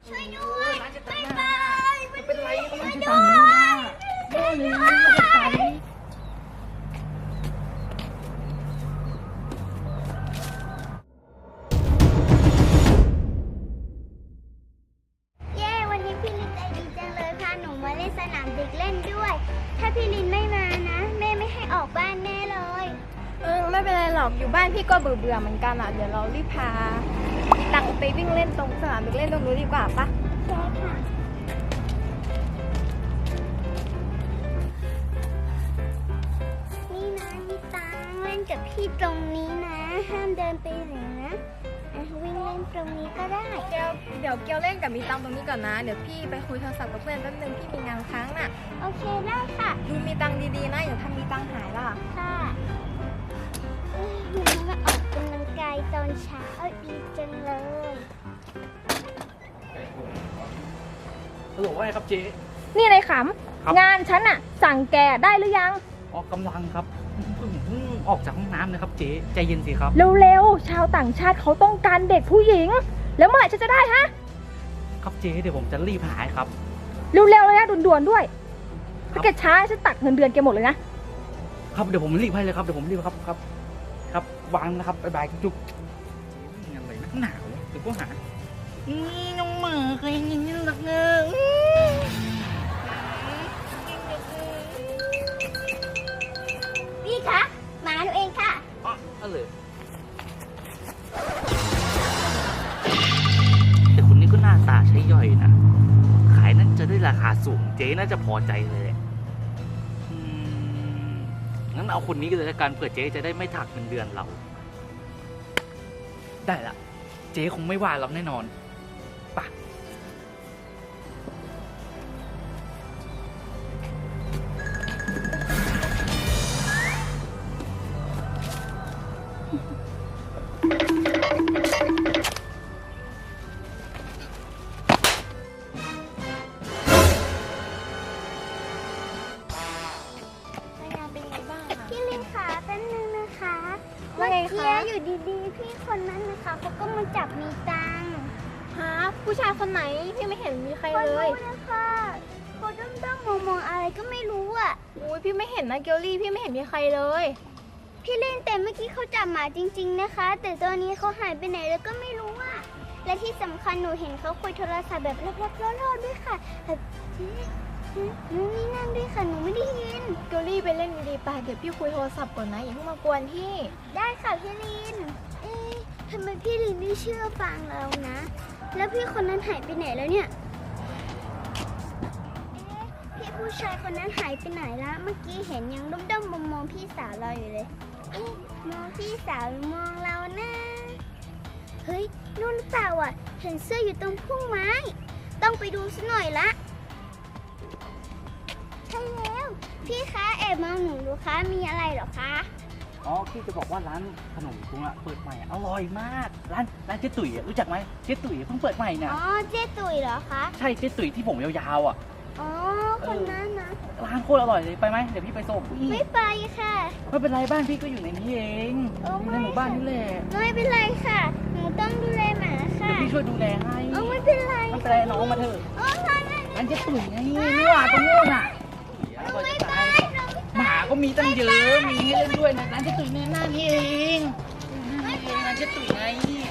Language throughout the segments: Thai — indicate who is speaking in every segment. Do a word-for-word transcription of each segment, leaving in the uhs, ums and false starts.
Speaker 1: ช่วยด้วยไม่ไป
Speaker 2: ไม่เป็นไรมัน
Speaker 1: ช่วย
Speaker 2: จะ
Speaker 1: ด้
Speaker 2: สั่ง
Speaker 1: ว
Speaker 2: นู้นนะ
Speaker 1: ย
Speaker 2: โน่นนี่มันจะไป
Speaker 1: เย้วันนี้พี่ลินใจดีจังเลยพาหนูมาเล่นสนามเด็กเล่นด้วย ถ้าพี่ลินไม่มานะแม่ไม่ให้ออกบ้านแน่เลย
Speaker 3: เออไม่เป็นไรหรอกอยู่บ้านพี่ก็เบื่อเบื่อเหมือนกันอ่ะเดี๋ยวเรารีบพาตังไปวิ่งเล่นตรงสนามเด็กเล่นตรงนู้นดีกว่าปะ
Speaker 1: ใช่ค่ะนี่นะพี่ตังเล่นกับพี่ตรงนี้นะห้ามเดินไปไหนนะอ่ะวิ่งเล่นตรงนี้ก็ได้
Speaker 3: เกียวเดี๋ยวเกียวเล่นกับมีตังตรงนี้ก่อนนะเดี๋ยวพี่ไปคุยโทรศัพท์กับเพื่อนแป๊บนึงพี่มีงานค้างน่ะ
Speaker 1: โอเคได้ค่ะ
Speaker 3: ดูมีตังดีๆนะอย่าทำมีตังหายล่ะ
Speaker 1: ค่ะเอ้ยหนูมาออกกำลังกายตอนเช้าดีจังเลย
Speaker 2: ฮัลโหลว่าไงครับเจ๊
Speaker 3: นี่นายข
Speaker 2: ครับ
Speaker 3: ำงานฉันอ่ะสั่งแกได้หรือยัง
Speaker 2: ออกกำลังครับเพิ่งเพิ่งออกจากห้องน้ำนะครับเจ๊ใจเย็นสิครับ
Speaker 3: เร็วๆชาวต่างชาติเขาต้องการเด็กผู้หญิง แล้วเมื่อไหร่ฉันจะได้ฮะ
Speaker 2: ครับเจ๊เดี๋ยวผมจะรีบหายครับ
Speaker 3: เร็วๆเลยนะด่วนๆด้วย
Speaker 2: ครั
Speaker 3: ถ้า
Speaker 2: บ
Speaker 3: แกช้าฉันตัดเงินเดือนแกหมดเลยนะครับ
Speaker 2: เดี๋ยวผมรีบให้เลยครับเดี๋ยวผมรีบครับครับ ครับวางนะครับบ๊ายบายจุ๊บเจ๊อะไรนักหนาวะเดี๋ยวก็หานี่น้องหมาเคยยินยินหลักเงย
Speaker 1: พี่คะหมาหนูเองค่ะ
Speaker 2: อ๋อเอาเลยแต่คนนี้ก็หน้าตาใช้ย่อยนะ ขายนั้นจะได้ราคาสูงเจ๊น่าจะพอใจเลยแหละอืมงั้นเอาคนนี้ก็เลยละกันเผื่อเจ๊จะได้ไม่ถักเงินเดือนเรา ได้ละ เจ๊คงไม่ว่าเราแน่นอนป่ะ
Speaker 3: งานเป็นไงบ้างอะ
Speaker 1: พี่ลินขาแป๊บนึงนะคะ
Speaker 3: ว่า
Speaker 1: เมื่อ
Speaker 3: ไง
Speaker 1: กี้
Speaker 3: คะ
Speaker 1: อยู่ดีๆ พี่คนนั้นนะคะเขาก็มาจับมีตังค์
Speaker 3: ฮะผู้ชายคนไหนพี่ไม่เห็นมีใคร
Speaker 1: คน
Speaker 3: เลย
Speaker 1: นู้นนะคะเขาด้อมๆมองๆอะไรก็ไม่รู้อ่ะ
Speaker 3: อุ้ยพี่ไม่เห็นนะเกลลี่พี่ไม่เห็นมีใครเลย
Speaker 1: พี่ลินแต่เมื่อกี้เขาจับหมาจริง ๆนะคะ แต่ตอนนี้เขาหายไปไหนแล้วก็ไม่รู้อ่ะและที่สำคัญหนูเห็นเขาคุยโทรศัพท์แบบลับๆล่อๆด้วยค่ะแบบเจ๊หนูนี่นั่นด้วยค่ะหนูไม่ได้ยิน
Speaker 3: เกลลี่ไปเล่นดีๆไปเดี๋ยวพี่คุยโทรศัพท์ก่อนนะอย่าเพิ่งมากวนพี่
Speaker 1: ได้ค่ะพี่ลิน เอ๊ะทำไมพี่ลินไม่เชื่อฟังเรานะ แล้วพี่คนนั้นหายไปไหนแล้วเนี่ย เอ๊ะพี่ผู้ชายคนนั้นหายไปไหนละเมื่อกี้เห็นยังด้อมๆมองๆพี่สาวเราอยู่เลยเอ๊ะมองพี่สาวหรือมองเรานะเฮ้ยนู่นหรือเปล่าอ่ะ เห็นเสื้ออยู่ตรงพุ่มไม้ ต้องไปดูสักหน่อยละ ใช่แล้ว พี่คะแอบมองหนูดูคะมีอะไรเหรอคะ
Speaker 2: อ๋อพี่จะบอกว่าร้านขนมกุ้งอะเปิดใหม่อร่อยมาก ร้านร้านเจ๊ตุ๋ยอะรู้จักไหมเจ๊ตุ๋ยเพิ่งเปิดใหม่น่ะ
Speaker 1: อ๋อเจ๊ตุ๋ยเหรอคะ
Speaker 2: ใช่เจ๊ตุ๋ยที่ผมยาวๆอะ
Speaker 1: อ๋อ คนนั้นนะ
Speaker 2: ร้านโคตรอร่อยเลยไปไหมเดี๋ยวพี่ไปส่ง
Speaker 1: ไม่ไปค่ะ
Speaker 2: ไม่เป็นไรบ้านพี่ก็อยู่ในนี้เอง
Speaker 1: โอ้
Speaker 2: อยู่ในหมู่บ้านนี่แหละ
Speaker 1: ไม่เป็นไรค่ะ หนูต้องดูแลหมา
Speaker 2: เดี๋
Speaker 1: ค่ะ
Speaker 2: ยวพี่ช่วยดูแลให้
Speaker 1: โอ้ไม่เป็นไร
Speaker 2: ไม่เป็นไรน้องมาเถอะ
Speaker 1: โอ้ไม่ไม่
Speaker 2: ร้านเจ๊ตุ๋ยไงนี่หว่าตรงนู้นน่ะอร่อย
Speaker 1: ไม่
Speaker 2: จะ
Speaker 1: ไป
Speaker 2: ตาย
Speaker 1: หนู
Speaker 2: หมาก็มีตั้งเยอะ มีให้เล่นด้วยนะร้านเจ๊ตุ๋ยในหน้านี่เองหน้านี่เองร้านเจ๊ตุ๋ยไง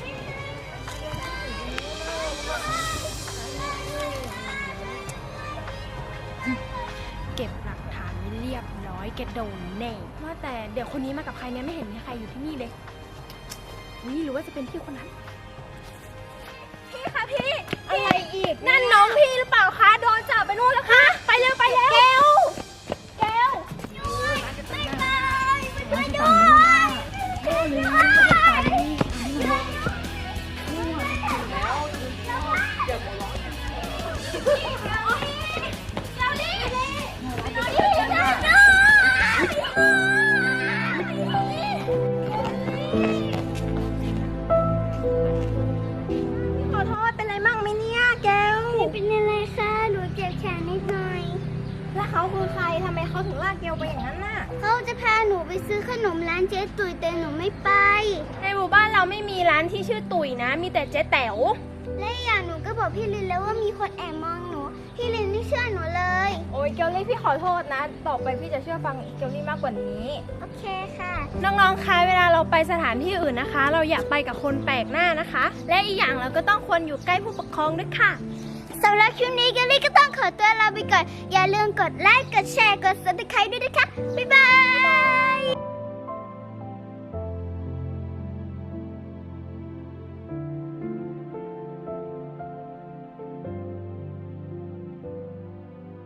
Speaker 3: เก็บหลักฐานไว้เรียบร้อยแกโดนแน่ว่าแต่เด็กคนนี้มากับใครเนี่ยไม่เห็นมีใครอยู่ที่นี่เลยนี่หรือว่าจะเป็นพี่คนนั้นพี่คะพี่อะไรอีกนั่นน้องพี่หรือเปล่าคะโดนจับไปนู่นแล้วค่ะไปเร็วไปเร็วเกลเกล
Speaker 1: ไม่ไปไม่ไป
Speaker 2: ร้านเจ๊
Speaker 1: ด้
Speaker 2: ตุ๋
Speaker 1: วย
Speaker 2: ยนี่เลย
Speaker 3: ขอโทษเป็นไรมั่งไหมเนี่ยแกล
Speaker 1: ไม่เป็นอะไรค่ะหนูเจ็บแขนนิดหน่อย
Speaker 3: แล้วเขาคือใครทำไมเขาถึงลากเกลไปอย่างนั้นน่ะ
Speaker 1: เขาจะพาหนูไปซื้อขนมร้านเจ๊ตุ๋ยแต่หนูไม่ไป
Speaker 3: ในหมู่บ้านเราไม่มีร้านที่ชื่อตุ๋ยนะ มีแต่เจ๊แต๋ว
Speaker 1: และอย่างหนูก็บอกพี่ลินแล้วว่ามีคนแอบมองหนู พี่ลินไม่เชื่อหนูเลย
Speaker 3: โอ้ยเกลลี่พี่ขอโทษนะ ต่อไปพี่จะเชื่อฟังเกลลี่มากกว่านี้
Speaker 1: โอเคค่ะ
Speaker 3: น้องๆ คะเวลาเราไปสถานที่อื่นนะคะ เราอย่าไปกับคนแปลกหน้านะคะ และอีกอย่างเราก็ต้องควรอยู่ใกล้ผู้ปกครองด้วยค่ะ
Speaker 1: สำหรับคลิปนี้เกลลี่ก็ต้องขอตัวลาไปก่อน อย่าลืมกดไลค์ กดแชร์ กด ซับสไครบ์ ด้วยนะคะ บ๊ายบาย